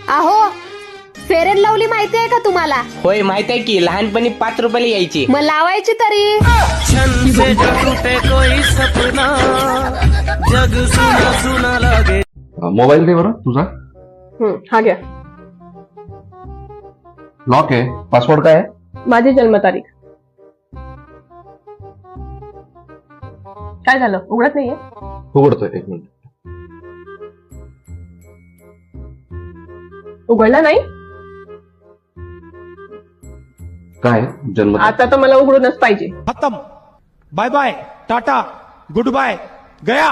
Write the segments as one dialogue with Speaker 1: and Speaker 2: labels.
Speaker 1: अहो, fair and lovely माहिती आहे का तुम्हाला?
Speaker 2: होय माहित आहे की, लहानपणी 5 रुपयाला यायची.
Speaker 1: मग लावायची तरी.
Speaker 3: मोबाईल दे बरं तुझा.
Speaker 4: हा घ्या.
Speaker 3: लॉक आहे. पासवर्ड काय आहे?
Speaker 4: माझी जन्मतारीख. काय झालं, उघडत नाहीये?
Speaker 3: उघडतोय, एक मिनिट.
Speaker 4: उघडला नाही?
Speaker 3: काय जन्म?
Speaker 4: आता तर मला उघडूनच पाहिजे.
Speaker 5: खत्म. Bye bye, tata, good bye, गया.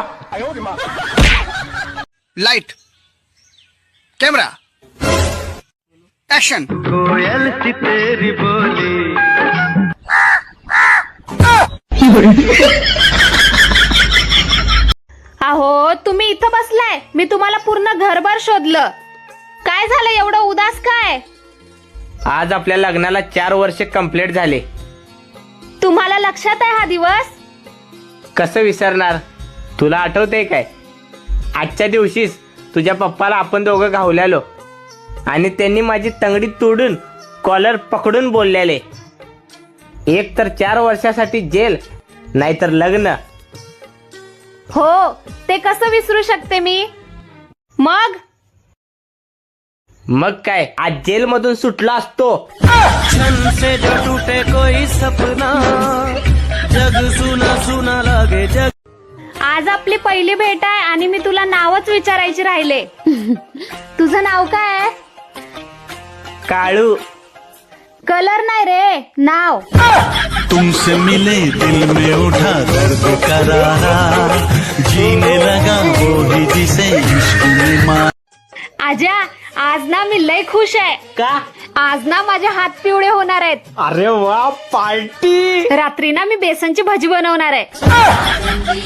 Speaker 6: Light, camera, action. कोयल की तेरी बोली.
Speaker 1: अहो, तुम्ही इथं बसलाय, मी तुम्हाला पूर्ण घरभर शोधलं. काय झालं एवढं उदास काय?
Speaker 2: आज आपल्या लग्नाला 4 वर्ष कंप्लीट झाले.
Speaker 1: तुम्हाला लक्षात आहे हा दिवस?
Speaker 2: कसं विसरणार? तुला आठवतंय काय? आजच्या दिवशीच तुझ्या पप्पाला आपण दोघं घावल्यालो आणि त्यांनी माझी तंगडी तोडून कॉलर पकडून बोललेले, एक तर 4 वर्षासाठी जेल, नाहीतर लग्न.
Speaker 1: हो, ते कसं विसरू शकते मी? मग
Speaker 2: काय, आज जेल मधून सुटला असतो.
Speaker 6: से जो टूटे कोई सपना, जग सुना सुना लागे जग.
Speaker 1: आज आपली पहिली भेट आहे आणि मी तुला नावच विचारायचे राहिले. तुझं नाव काय आहे?
Speaker 2: काळू.
Speaker 1: कलर नाही रे, नाव.
Speaker 7: तुमसे मिले दिल में उठा दर्द करारा, जीने लगा वो ही जिसे इश्क में मार.
Speaker 1: आजा, आज ना मी लय खुश आहे.
Speaker 2: का?
Speaker 1: आज ना माझे हात पिवळे होणार आहेत.
Speaker 2: अरे वा, पार्टी.
Speaker 1: रात्री ना मी बेसनची भजी बनवणार आहे.